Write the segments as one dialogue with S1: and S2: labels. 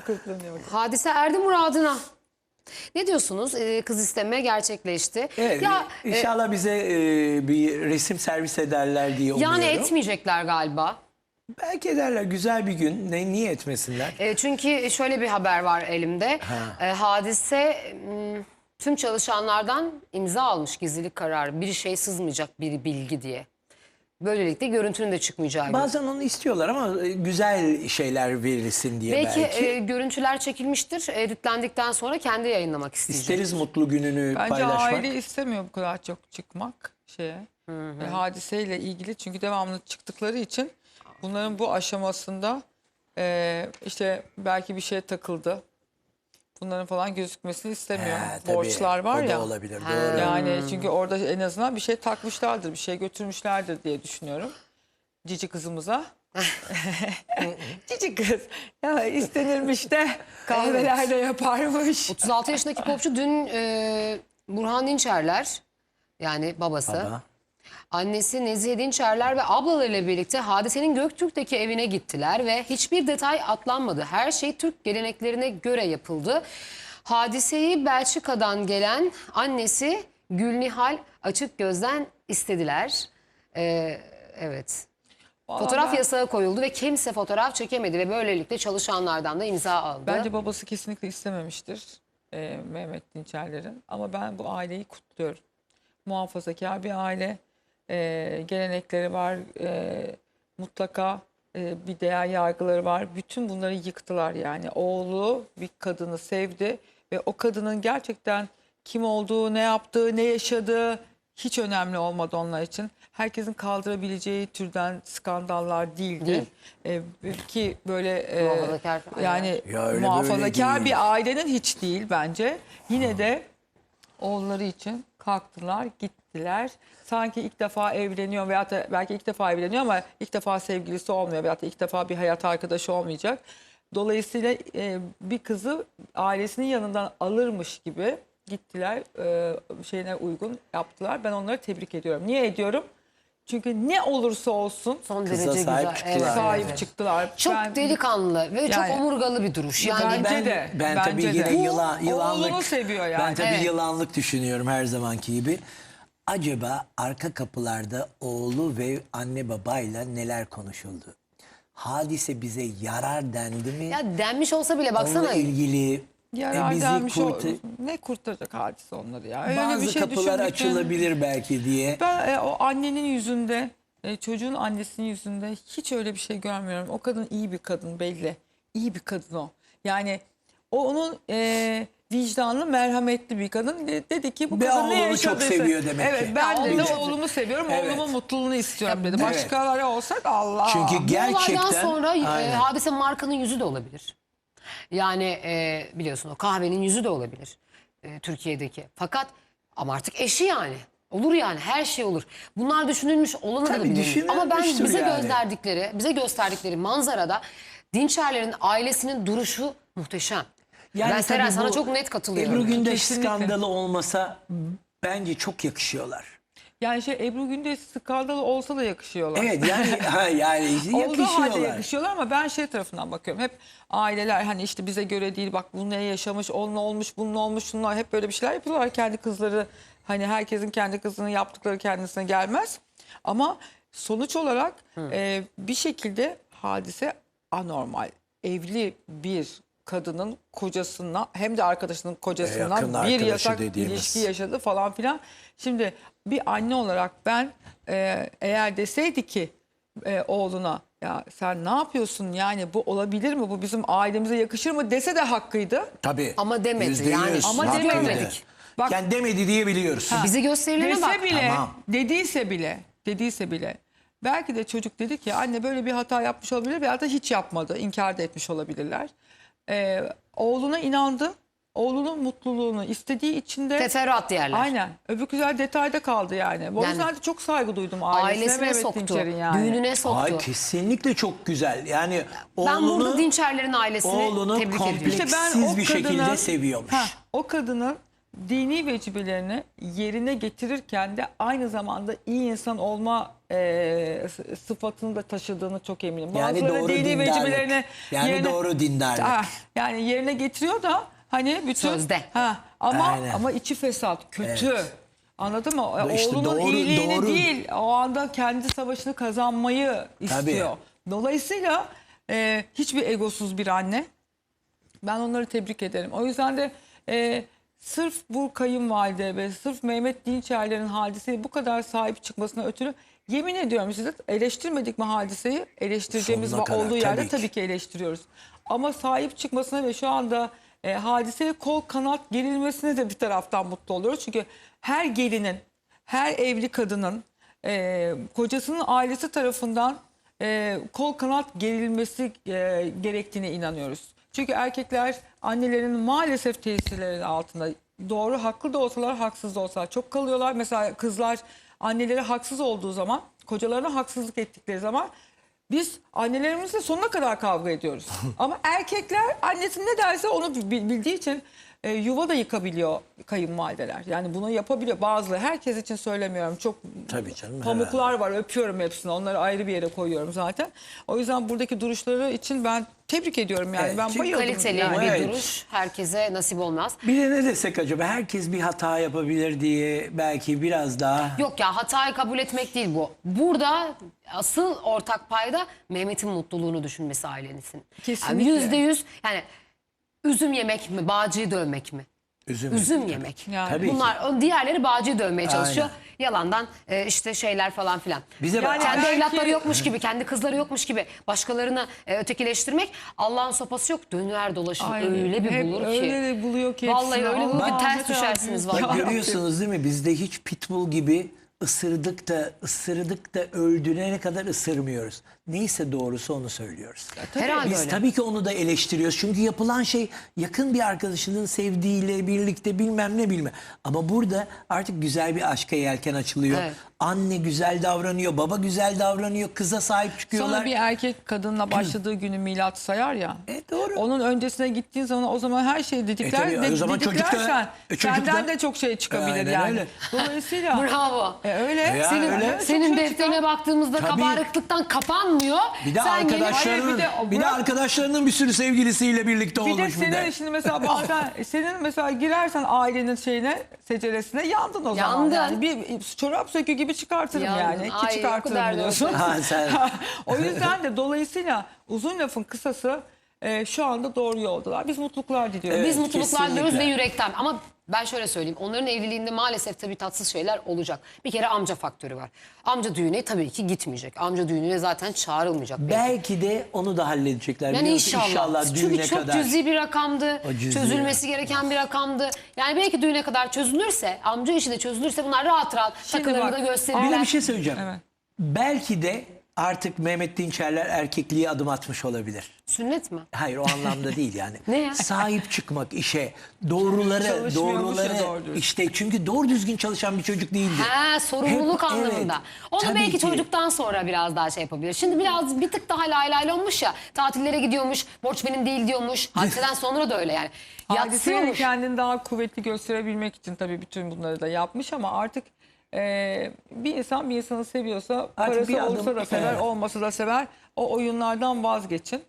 S1: Tıkırtlanıyor.
S2: Hadise erdi muradına. Ne diyorsunuz? Kız isteme gerçekleşti.
S3: Evet,
S2: Ya
S3: inşallah bize bir resim servis ederler diye umuyorum.
S2: yani etmeyecekler galiba.
S3: Belki ederler, güzel bir gün. Niye etmesinler?
S2: Çünkü şöyle bir haber var elimde. Hadise tüm çalışanlardan imza almış, gizlilik kararı. Bir şey sızmayacak, bir bilgi diye. Böylelikle görüntünün de çıkmayacağı gibi.
S3: Bazen onu istiyorlar ama güzel şeyler verilsin diye belki.
S2: Görüntüler çekilmiştir. Editlendikten sonra kendi yayınlamak isteyecek.
S3: İsteriz mutlu gününü
S1: Bence
S3: paylaşmak.
S1: aile istemiyor bu kadar çok çıkmak şeye. Hadiseyle ilgili, çünkü devamlı çıktıkları için bunların bu aşamasında işte belki bir şey takıldı. Bunların falan gözükmesini istemiyor.
S3: Tabii,
S1: Borçlar var
S3: o da
S1: ya.
S3: olabilir. Doğru.
S1: Yani çünkü orada en azından bir şey takmışlardır, bir şey götürmüşlerdir diye düşünüyorum. Cici kızımıza. Cici kız. Ya istenirmiş de kahvelerde yaparmış.
S2: 36 yaşındaki popçu dün Burhan Dinçerler, yani babası,
S3: Baba.
S2: annesi Nezihe Dinçerler ve ablalarıyla birlikte Hadise'nin Göktürk'teki evine gittiler ve hiçbir detay atlanmadı. Her şey Türk geleneklerine göre yapıldı. Hadise'yi Belçika'dan gelen annesi Gülnihal Açıkgöz'den istediler. Evet.
S1: Vallahi
S2: Fotoğraf
S1: ben-
S2: yasağı koyuldu ve kimse fotoğraf çekemedi ve böylelikle çalışanlardan da imza aldı.
S1: Bence babası kesinlikle istememiştir Mehmet Dinçerler'in. Ama ben bu aileyi kutluyorum. Muhafazakar bir aile. Gelenekleri var. Mutlaka bir değer yargıları var. Bütün bunları yıktılar yani. Oğlu bir kadını sevdi ve o kadının gerçekten kim olduğu, ne yaptığı, ne yaşadığı hiç önemli olmadı onlar için. Herkesin kaldırabileceği türden skandallar değildi. Ki böyle
S2: Muhafazakar
S1: yani
S3: Ya öyle
S1: muhafazakar
S3: böyle değil.
S1: bir ailenin hiç değil bence. Yine de oğulları için kalktılar, gittiler. Sanki ilk defa evleniyor veyahut da belki ilk defa evleniyor ama ilk defa sevgilisi olmuyor veyahut da ilk defa bir hayat arkadaşı olmayacak. Dolayısıyla bir kızı ailesinin yanından alırmış gibi gittiler, şeyine uygun yaptılar. Ben onları tebrik ediyorum. Niye ediyorum? Çünkü ne olursa olsun
S2: Son
S3: Kıza
S2: derece
S3: sahip
S2: güzel.
S3: çıktılar.
S1: sahip çıktılar.
S2: Çok
S1: Ben-
S2: delikanlı ve çok
S1: Yani-
S2: omurgalı bir duruş. Yani
S1: Bence de.
S3: Ben
S1: bence
S3: tabii
S1: de.
S3: yine
S1: Bu
S3: yılanlık.
S1: oğlunu seviyor yani.
S3: Ben tabii
S2: Evet.
S3: yılanlık düşünüyorum her zamanki gibi. Acaba arka kapılarda oğlu ve anne babayla neler konuşuldu? Hadise bize yarar dendi mi?
S2: ya denmiş olsa bile baksana.
S3: Onunla ilgili
S1: Yarar
S3: bizi
S1: denmiş
S3: kurtar-
S1: ne kurtaracak hadise onları ya. Öyle
S3: bazı
S1: bir şey
S3: kapılar
S1: düşündükten-
S3: açılabilir belki diye.
S1: Ben o annenin yüzünde, çocuğun annesinin yüzünde hiç öyle bir şey görmüyorum. O kadın iyi bir kadın belli. İyi bir kadın o. Yani onun vicdanlı, merhametli bir kadın. Dedi ki bu
S3: Ve
S1: kadın ne
S3: oğlunu çok
S1: yaşadıysa.
S3: seviyor demek
S1: Evet,
S3: ki.
S1: ben
S2: Ya
S1: de
S2: oğlu-
S1: oğlumu seviyorum.
S3: Evet.
S1: Oğlumun mutluluğunu istiyorum dedi.
S3: Evet.
S1: Başkaları olsak Allah.
S3: Çünkü
S2: Bu
S3: gerçekten
S2: olaydan sonra
S3: Aynen.
S2: Hadise markanın yüzü de olabilir. Yani biliyorsun o kahvenin yüzü de olabilir Türkiye'deki. Fakat ama artık eşi yani. Olur yani, her şey olur. Bunlar düşünülmüş olanı da
S3: Tabii
S2: bilir. Ama ben
S3: düşünülmüştür
S2: bize
S3: yani.
S2: gösterdikleri manzarada Dinçerlerin ailesinin duruşu muhteşem.
S3: Yani
S2: Ben Seren
S3: tabii
S2: sana
S3: bu
S2: çok net katılıyorum.
S3: Ebru Gündeş
S1: Kesinlikle.
S3: skandalı olmasa bence çok yakışıyorlar.
S1: Yani Ebru Gündeş skandalı olsa da yakışıyorlar.
S3: Evet yani yani
S1: Olduğu halde
S3: yakışıyorlar.
S1: yakışıyorlar ama ben şey tarafından bakıyorum. Hep aileler hani işte bize göre değil, bak bu ne yaşamış, onunla olmuş, bununla olmuş, şunlar hep böyle bir şeyler yapıyorlar. Kendi kızları, hani herkesin kendi kızının yaptıkları kendisine gelmez. Ama sonuç olarak bir şekilde hadise anormal. Evli bir kadının kocasına hem de arkadaşının
S3: Yakın
S1: kocasından bir
S3: arkadaşı
S1: yasak
S3: dediğimiz.
S1: ilişki yaşadı falan filan. Şimdi bir anne olarak ben eğer deseydi ki oğluna ya sen ne yapıyorsun, yani bu olabilir mi, bu bizim ailemize yakışır mı dese de hakkıydı.
S3: Tabii.
S2: Ama demedi
S3: %100
S2: yani.
S1: Ama
S3: haklıydı.
S1: demedik. Bak-
S3: Yani demedi diye biliyoruz.
S2: Bize gösterilene
S1: Dese
S2: bak.
S1: bile,
S3: Tamam.
S1: dediyse bile belki de çocuk dedi ki anne böyle bir hata yapmış olabilir veya da hiç yapmadı, inkar da etmiş olabilirler. Oğluna inandı. Oğlunun mutluluğunu istediği için de
S2: Teferruat diyerler.
S1: aynen. Öbür güzel detayda kaldı yani. O yüzden de çok saygı duydum ailesine,
S2: Ailesine
S1: Mehmet
S2: soktu.
S1: Dinçer'in yani.
S2: Düğününe soktu.
S3: Ay kesinlikle çok güzel. Yani
S2: Ben burada
S3: oğlunu,
S2: Dinçerlerin ailesini
S3: oğlunu
S2: tebrik ediyorum.
S3: komple-
S1: İşte ben
S3: Siz
S1: o
S3: bir şekilde
S1: kadına,
S3: seviyormuş.
S1: o kadının dini vecibelerini yerine getirirken de aynı zamanda iyi insan olma sıfatını da taşıdığını çok eminim.
S3: Yani
S1: Bazıları
S3: doğru
S1: dini
S3: dindarlık.
S1: vecibelerini
S3: Yani doğru dindarlık.
S1: Yani yerine getiriyor da hani bütün
S2: Sözde.
S3: Aynen.
S1: ama içi fesat, kötü.
S3: Evet.
S1: Anladın mı?
S3: İşte
S1: Oğlunun
S3: doğru-
S1: iyiliğini
S3: doğru.
S1: değil, o anda kendi savaşını kazanmayı istiyor. Dolayısıyla hiçbir egosuz bir anne. Ben onları tebrik ederim. O yüzden de sırf bu kayınvalide ve sırf Mehmet Dinçerler'in hadiseye bu kadar sahip çıkmasına ötürü yemin ediyorum size, eleştirmedik mi hadiseyi? Eleştireceğimiz
S3: Sonuna kadar,
S1: olduğu yerde
S3: tabii ki.
S1: tabii ki eleştiriyoruz. Ama sahip çıkmasına ve şu anda hadiseye kol kanat gerilmesine de bir taraftan mutlu oluyoruz. Çünkü her gelinin, her evli kadının kocasının ailesi tarafından kol kanat gerilmesi gerektiğine inanıyoruz. Çünkü erkekler annelerin maalesef tesirleri altında, doğru haklı da olsalar haksız da olsalar çok kalıyorlar. Mesela kızlar anneleri haksız olduğu zaman, kocalarına haksızlık ettikleri zaman biz annelerimizle sonuna kadar kavga ediyoruz. Ama erkekler annesi ne derse onu bildiği için yuva da yıkabiliyor kayınvalideler. Yani bunu yapabiliyor bazıları. Herkes için söylemiyorum. Çok
S3: Tabii canım,
S1: pamuklar var. Öpüyorum hepsini. Onları ayrı bir yere koyuyorum zaten. O yüzden buradaki duruşları için ben tebrik ediyorum. Yani
S3: Evet,
S1: ben
S3: çünkü
S1: bayıldım.
S2: Kaliteli
S1: yani.
S2: bir
S3: Evet.
S2: duruş herkese nasip olmaz.
S3: Bir de ne desek acaba? Herkes bir hata yapabilir diye belki biraz daha...
S2: Yok ya, hatayı kabul etmek değil bu. Burada asıl ortak payda Mehmet'in mutluluğunu düşünmesi ailenizin.
S1: Kesinlikle.
S2: Yani %100 yani üzüm yemek mi, bağcıyı dövmek mi? Üzüm yemek.
S1: Yani.
S3: Tabii ki.
S2: Bunlar diğerleri bağcıyı dövmeye çalışıyor.
S3: Aynen.
S2: Yalandan işte şeyler falan filan.
S3: Bize bak-
S1: Yani
S2: Kendi
S1: belki-
S2: evlatları yokmuş gibi, kendi kızları yokmuş gibi başkalarını ötekileştirmek, Allah'ın sopası yok. Döner dolaşır
S1: Aynen.
S2: öyle bir
S1: Hep
S2: bulur ki.
S1: öyle de buluyor ki.
S2: Vallahi
S1: hepsini.
S2: öyle bulur ki
S1: Allah
S2: ters
S1: ne kadar
S2: düşersiniz
S1: büyük.
S2: vallahi.
S1: Ya
S3: Görüyorsunuz değil mi? Bizde hiç pitbull gibi ısırdık da öldürene kadar ısırmıyoruz. Neyse doğrusu onu söylüyoruz.
S2: Herhalde
S3: Biz
S2: öyle.
S3: tabii ki onu da eleştiriyoruz. Çünkü yapılan şey yakın bir arkadaşının sevdiğiyle birlikte bilmem ne bilmem. Ama burada artık güzel bir aşka yelken açılıyor.
S2: Evet.
S3: Anne güzel davranıyor, baba güzel davranıyor, kıza sahip çıkıyorlar.
S1: Sonra bir erkek kadınla başladığı günü milat sayar ya.
S3: Doğru.
S1: Onun öncesine gittiğin zaman o zaman her şeyi didikler.
S3: tabii, o zaman çocuk da-
S1: didiklersen
S3: çocuk da-
S1: senden de çok şey çıkabilir
S3: Aynen
S1: yani.
S3: öyle.
S1: Dolayısıyla
S2: Bravo.
S1: öyle.
S3: Ya
S2: Senin,
S3: öyle.
S2: senin
S1: Çok şey
S2: defterine
S1: çıkar.
S2: baktığımızda
S3: Tabii.
S2: kabarıklıktan kapanmıyor.
S3: Bir de
S2: Sen gelip-
S3: arkadaşlarının,
S1: Hayır,
S3: bir de
S1: bırak-
S3: arkadaşlarının bir sürü sevgilisiyle birlikte
S1: Bir de
S3: olmuş bir
S1: senin
S3: de.
S1: şimdi mesela bazen senin mesela girersen ailenin şeyine, seceresine yandın o zaman.
S2: Yandın.
S1: Yani bir çorap sökü gibi çıkartırım
S2: Yandın.
S1: yani. Ki
S2: Ay, o
S1: çıkartırım
S2: kadar da
S1: biliyorsun.
S3: Ha, sen-
S1: O yüzden de dolayısıyla uzun lafın kısası şu anda doğru yoldalar. Biz mutluluklar diliyoruz.
S3: Evet,
S2: Biz mutluluklar diliyoruz ve
S3: kesinlikle.
S2: yürekten. Ama ben şöyle söyleyeyim. Onların evliliğinde maalesef tabii tatsız şeyler olacak. Bir kere amca faktörü var. Amca düğüne tabii ki gitmeyecek. Amca düğününe zaten çağrılmayacak.
S3: Belki de onu da halledecekler.
S2: Yani
S3: biliyor musun?
S2: inşallah. Çünkü
S3: düğüne
S2: çok
S3: kadar.
S2: cüzi bir rakamdı.
S3: O cüzi
S2: Çözülmesi gereken bir rakamdı. Yani belki düğüne kadar çözülürse, amca işi de çözülürse bunlar rahat rahat
S1: Şimdi
S2: takılarını
S1: bak,
S2: da
S3: Bir
S2: gösterirler.
S3: de bir şey söyleyeceğim.
S1: Evet.
S3: Belki de artık Mehmet Dinçerler erkekliğe adım atmış olabilir.
S2: Sünnet mi?
S3: Hayır o anlamda değil yani.
S2: Ne ya?
S3: Sahip çıkmak işe, doğruları,
S1: Çalışmıyormuş ya doğru düzgün.
S3: işte çünkü doğru düzgün çalışan bir çocuk değildi.
S2: Ha, sorumluluk
S3: Hep-
S2: anlamında.
S3: evet,
S2: Onu
S3: tabii
S2: belki
S3: ki.
S2: çocuktan sonra biraz daha şey yapabilir. Şimdi biraz bir tık daha lay lay olmuş ya. Tatillere gidiyormuş, borç benim değil diyormuş. Hadiseden sonra da öyle yani.
S1: Hadisenin
S2: Yatsıyormuş.
S1: kendini daha kuvvetli gösterebilmek için tabii bütün bunları da yapmış ama artık bir insan bir insanı seviyorsa
S3: Artık bir
S1: parası
S3: adım-
S1: olsa da sever,
S3: evet.
S1: olmasa da sever. O oyunlardan vazgeçin.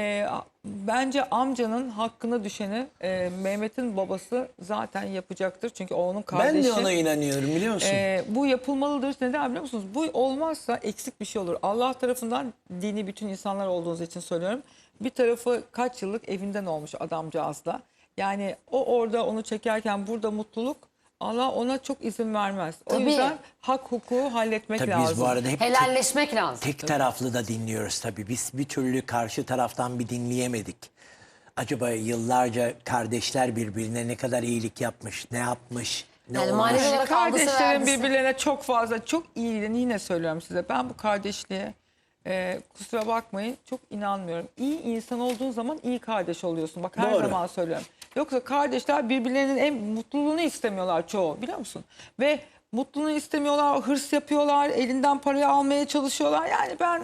S1: Bence amcanın hakkına düşeni Mehmet'in babası zaten yapacaktır. Çünkü o onun kardeşi.
S3: Ben de ona inanıyorum biliyor musun?
S1: Bu yapılmalıdır. Neden biliyor musunuz? Bu olmazsa eksik bir şey olur. Allah tarafından dini bütün insanlar olduğunuz için söylüyorum. Bir tarafı kaç yıllık evinden olmuş adamcağızla. Yani o orada onu çekerken burada mutluluk, Allah ona çok izin vermez. O
S2: Tabii.
S1: yüzden hak hukuku halletmek
S3: Tabii
S1: lazım.
S3: biz bu arada hep
S2: Helalleşmek lazım.
S3: tek taraflı da dinliyoruz tabii. Biz bir türlü karşı taraftan bir dinleyemedik. Acaba yıllarca kardeşler birbirine ne kadar iyilik yapmış, ne yapmış, ne
S2: Yani
S3: olmuş?
S2: manevi olarak algısı
S1: Kardeşlerin
S2: vergisi.
S1: birbirlerine çok fazla, çok iyiliğini yine söylüyorum size. Ben bu kardeşliğe kusura bakmayın çok inanmıyorum. İyi insan olduğun zaman iyi kardeş oluyorsun. Bak her
S3: Doğru.
S1: zaman söylüyorum. Yoksa kardeşler birbirlerinin en mutluluğunu istemiyorlar çoğu biliyor musun? Ve mutluluğunu istemiyorlar, hırs yapıyorlar, elinden parayı almaya çalışıyorlar. Yani ben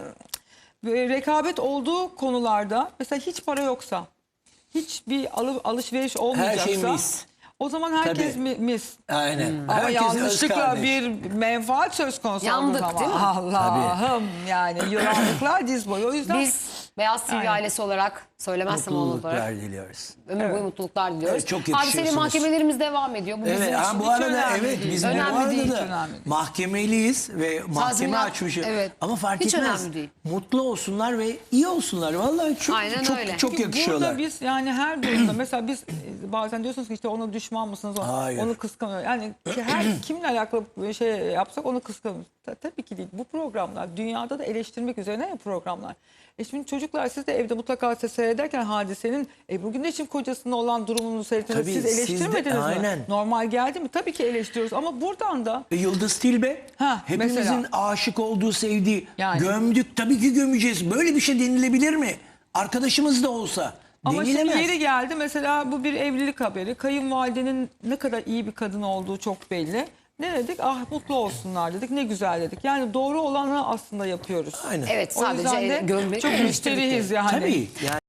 S1: rekabet olduğu konularda mesela hiç para yoksa, hiçbir alışveriş olmayacaksa
S3: mis.
S1: O zaman herkes
S3: Tabii.
S1: mis.
S3: Aynen.
S1: Ama
S3: Herkes öz
S1: yanlışlıkla
S3: kardeş.
S1: bir menfaat söz konusu
S2: Yandık,
S1: olduğu zaman.
S2: değil mi?
S1: Allah'ım yani yılanlıklar diz boyu. O yüzden
S2: Biz Beyaz TV
S1: Aynen.
S2: ailesi olarak söylemezsem olur olarak
S3: Mutluluklar diliyoruz.
S2: ömür boyu mutluluklar diliyoruz.
S3: Evet, çok
S2: Hadiseyle
S3: yakışıyorsunuz.
S2: mahkemelerimiz devam ediyor. Bu bizim
S3: Evet,
S2: için
S3: bu
S1: hiç
S3: arada
S1: önemli
S3: evet
S1: değil.
S3: biz de bu
S2: Önemli
S3: arada
S2: değil,
S3: da
S1: hiç önemli değil.
S3: mahkemeliyiz ve mahkeme
S2: Tazminat,
S3: açmışız.
S2: evet.
S3: Ama fark
S2: Hiç
S3: etmez.
S2: önemli değil.
S3: Mutlu olsunlar ve iyi olsunlar. Vallahi çok
S2: Aynen
S3: çok
S2: öyle.
S3: çok
S1: Çünkü
S3: yakışıyorlar.
S1: burada biz yani her durumda mesela biz bazen diyorsunuz ki işte ona düşman mısınız?
S3: Hayır.
S1: Onu kıskanıyor. Yani her kimle alakalı bir şey yapsak onu kıskanıyoruz. Tabii ki değil. Bu programlar dünyada da eleştirmek üzerine ya programlar. Şimdi çocuklar siz de evde mutlaka seyrederken Hadise'nin Ebru Gündeş'in kocasına olan durumunu seyrettiniz.
S3: Tabii,
S1: Siz
S3: siz de-
S1: eleştirmediniz mi?
S3: aynen.
S1: Normal geldi mi? Tabii ki eleştiriyoruz ama buradan da
S3: Ve Yıldız Tilbe hepimizin
S1: mesela.
S3: aşık olduğu, sevdiği.
S1: Yani.
S3: Gömdük, tabii ki gömeceğiz. Böyle bir şey denilebilir mi? Arkadaşımız da olsa.
S1: ama şimdi
S3: Denilemez.
S1: yeri geldi mesela bu bir evlilik haberi. Kayınvalidenin ne kadar iyi bir kadın olduğu çok belli. Ne dedik? Ah mutlu olsunlar dedik. Ne güzel dedik. Yani doğru olanı aslında yapıyoruz.
S3: Aynen.
S2: Evet,
S1: O yüzden
S2: sadece
S1: de
S2: gömmek
S1: çok
S2: eleştirdik
S1: müşteriyiz yani.
S3: Tabii. Yani